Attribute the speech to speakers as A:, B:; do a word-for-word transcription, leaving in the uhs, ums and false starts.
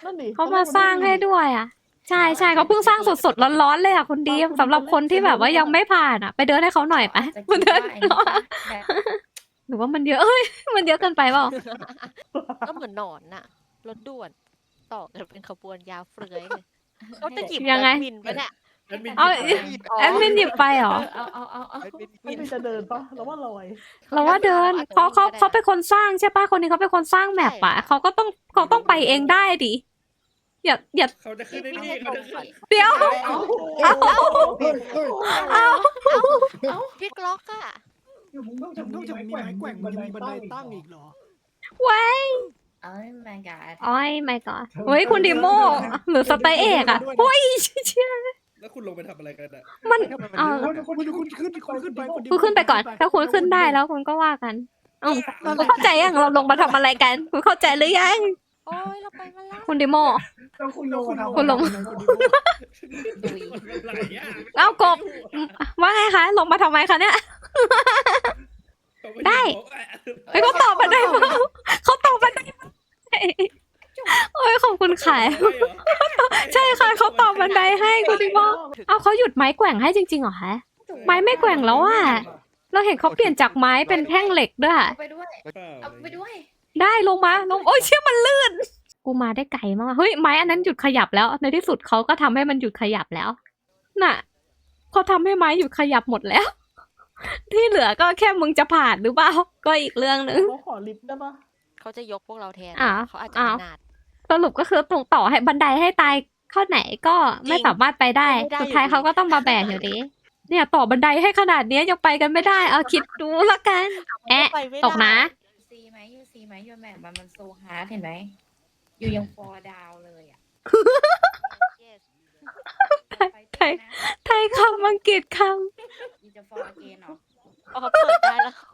A: นั่นดิ
B: เขามาสร้างให้ด้วยอ่ะใช่ใช่เขาเพิ่งสร้างสดๆร้อนๆเลยอ่ะคุณดีมสำหรับคนที่แบบว่ายังไม่ผ่านอ่ะไปเดินให้เขาหน่อยไป
C: จะ
B: มา
C: คิด
B: เดิน
C: ว่าไอ้นี่ปะแบบ
B: หรือว่ามันเยอะเอ้ยมันเยอะเกินไปเปล่า
D: ก็เหมือนหนอนน่ะรถด่วนต่อกันเป็นขบวนยาวเฟือยเลยเขาจะหยิบ
B: ยังไง
D: แบทมินไปเนี่ย
E: แอดมิน
B: เอา
E: หยิบไป
D: อ๋อ
B: แอดมินหยิบไปเหรอ
C: เอาเอาเอาเอา
D: แอดมิน
A: ไม่มีจะเดินปะแล้วว่าลอย
B: เราว่าเดินเขาเขาเขาเป็นคนสร้างใช่ปะคนนี้เขาเป็นคนสร้างแมปอะเขาก็ต้องเขาต้องไปเองได้ดิอย่าอย่า
E: เขาจะขึ้นได้นี่เขาจะขึ้น
B: เดี๋ยว
A: เอา
B: เอา เอา
D: พี่กล็อกอะ
F: นอกจากมีไม้แกว่งมันยังมีบันไดตั้งอีกเหรอ
B: ไว้
C: เอ้ย my god
B: โอ้ยไม่ก่อนเฮ้ยคุณดิโมหรือสไตล์เอกอะโอ้ยเชี่ย
E: แล้วคุณลงไปทำอะไรกันอ่ะ
B: มันเออ
F: คุณคุณขึ้นคุณขึ้นไป
B: คุณขึ้นไปก่อน ถ้าคุณขึ้นได้แล้วคุณก็ว่ากันอืมคุณเข้าใจยังเราลงมาทำอะไรกัน คุณเข้าใจหรือยัง
D: โอ้ยเราไปมาแล้ว
B: คุณดิโม
F: คุณลง
B: คุณลง
D: ดุย
E: ไหลอ่ะ
B: เอากบว่าไงคะลงมาทำไมคะเนี่ย ได้ เฮ้ยเขาตอบมาได้เปล่าเขาตอบมาได้โอ้ยขอบคุณค่ะใช่ค่ะเขาตอบบันไดให้คุณดิโมเอาเขาหยุดไม้แกว่งให้จริงๆเหรอคะ ไม้ไม่แกว่งแล้วอะเราเห็นเขาเปลี่ยนจากไม้เป็นแท่งเหล็กด้วยอะ
C: เอาไปด้วย เอาไปด้วย
B: ได้ลงมาลงโอ้ยเชื่อมันลื่น กูมาได้ไกลมากเฮ้ยไม้อันนั้นหยุดขยับแล้ว ในที่สุดเขาก็ทำให้มันหยุดขยับแล้ว น่ะเขาทำให้ไม้หยุดขยับหมดแล้ว ที่เหลือก็แค่มึงจะผ่านหรือเปล่าก็อีกเรื่องหนึ่ง
A: เขาขอลิฟต์ได้ปะ
D: เขาจะยกพวกเราแทน
B: อ่ะ
D: เขาอาจจะ
B: อ่ะ
D: ขนาด
B: สรุปก็คือตรงต่อให้บันไดให้ตายเข้าไหนก็ไม่สามารถไปได้
D: ไม่ได้
B: สุดท้าย
D: อยู่ดี
B: เขาก็ต้องมาแบกอยู่ดี เนี่ยต่อบันไดให้ขนาดเนี้ยยังไปกันไม่ได้ เอาคิดดูละกัน แอะ
D: ไปไม่ได้
B: ตกนะ
C: ซีไหมยูซีไหมยูแมปมันมันโซฮาร์ดเห็นไหมยูยังฟอร์ดาวเลยอ่ะ
D: Yes
B: ไทย ไทยคำอังกฤษค
C: ยูจะฟอร์เกนเหรอ
D: อ๋อเปิดได้แล้ว